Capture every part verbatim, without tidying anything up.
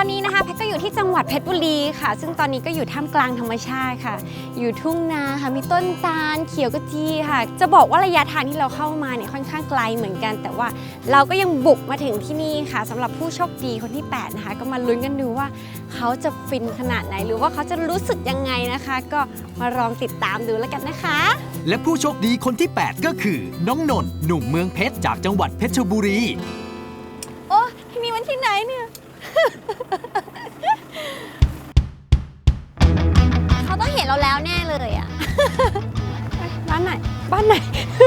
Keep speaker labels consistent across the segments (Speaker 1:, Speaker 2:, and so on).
Speaker 1: อนนี้นะคะแพทก็อยู่ที่จังหวัดเพชรบุรีค่ะซึ่งตอนนี้ก็อยู่ท่ามกลางธรรมชาติค่ะอยู่ทุ่งนาค่ะมีต้นตาลเขียวกระจีค่ะจะบอกว่าระยะทางที่เราเข้ามาเนี่ยค่อนข้างไกลเหมือนกันแต่ว่าเราก็ยังบุกมาถึงที่นี่ค่ะสำหรับผู้โชคดีคนที่แปดนะคะก็มาลุ้นกันดูว่าเขาจะฟินขนาดไหนหรือว่าเขาจะรู้สึกยังไงนะคะก็มาลองติดตามดูแล้วกันนะคะ
Speaker 2: และผู้โชคดีคนที่แปดก็คือน้องนนท์หนุ่มเมืองเพชรจากจังหวัดเพชรบุรี
Speaker 1: โอ้ที่นี่มันที่ไหนเนี่ย เขาต้องเห็นเราแล้วแน่เลยอ่ะ บ้านไหนบ้านไหน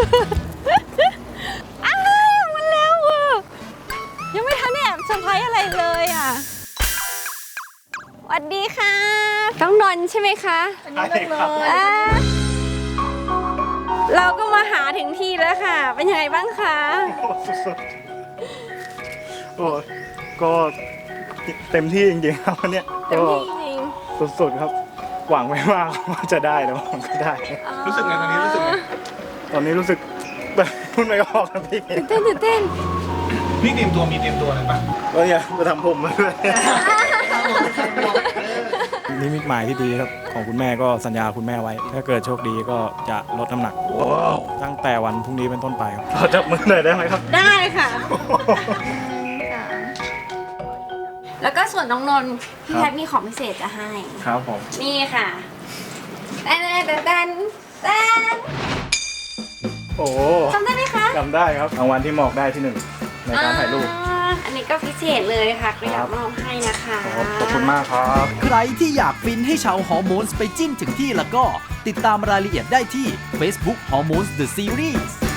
Speaker 1: อ้าวมันแล้วอ่ะยังไม่ทันแอบเซอร์ไพรส์อะไรเลยอ่ะสวัสดีค่ะต้องนนท์ใช่ไหมคะอันนี้น้องนนท์เราก็มาหาถึงที่แล้วค่ะเป็นยังไงบ้างคะ
Speaker 3: โอ้ก็เต็มที่จริงๆครับวันนี้
Speaker 1: เต็มที่จริง
Speaker 3: สุดๆครับหวังไว้มากว่าจะได้แล้วมันก็ได้รู้สึกไงตอนนี้รู้สึกไงตอนนี้รู้สึกแบบพูดไม่ออกครับพี่
Speaker 1: ตื่นเต้นตื่นเต้น
Speaker 4: พี่เตรียมตัวมีเตรียมตัวอะไรปะ
Speaker 3: ก็อย่ามาทำผมมาด้วยนี่มิตหมายที่ดีครับของคุณแม่ก็สัญญาคุณแม่ไว้ถ้าเกิดโชคดีก็จะลดน้ำหนักตั้งแต่วันพรุ่งนี้เป็นต้นไปครับขอจับมือหน่อยได้ไหมครับ
Speaker 1: ได้ค่ะแล้วก็ส่วนน้องนนท์พี่แพทมีของพิเศษจะให้
Speaker 3: ครับผม
Speaker 1: นี่ค่ะแตนแตนแตนแตน
Speaker 3: โอ้
Speaker 1: จำได้ไหมคะ
Speaker 3: จำได้ครับรางวัลที่หมอกได้ที่หนึ่งในการถ่ายรูป
Speaker 1: อันนี้ก็พิเศษเลยค่ะก็อยากมอบให้นะคะ
Speaker 3: ขอบคุณมากครับ
Speaker 2: ใครที่อยากฟินให้ชาวฮอร์โมนส์ไปจิ้นถึงที่แล้วก็ติดตามรายละเอียดได้ที่ Facebook Hormones The Series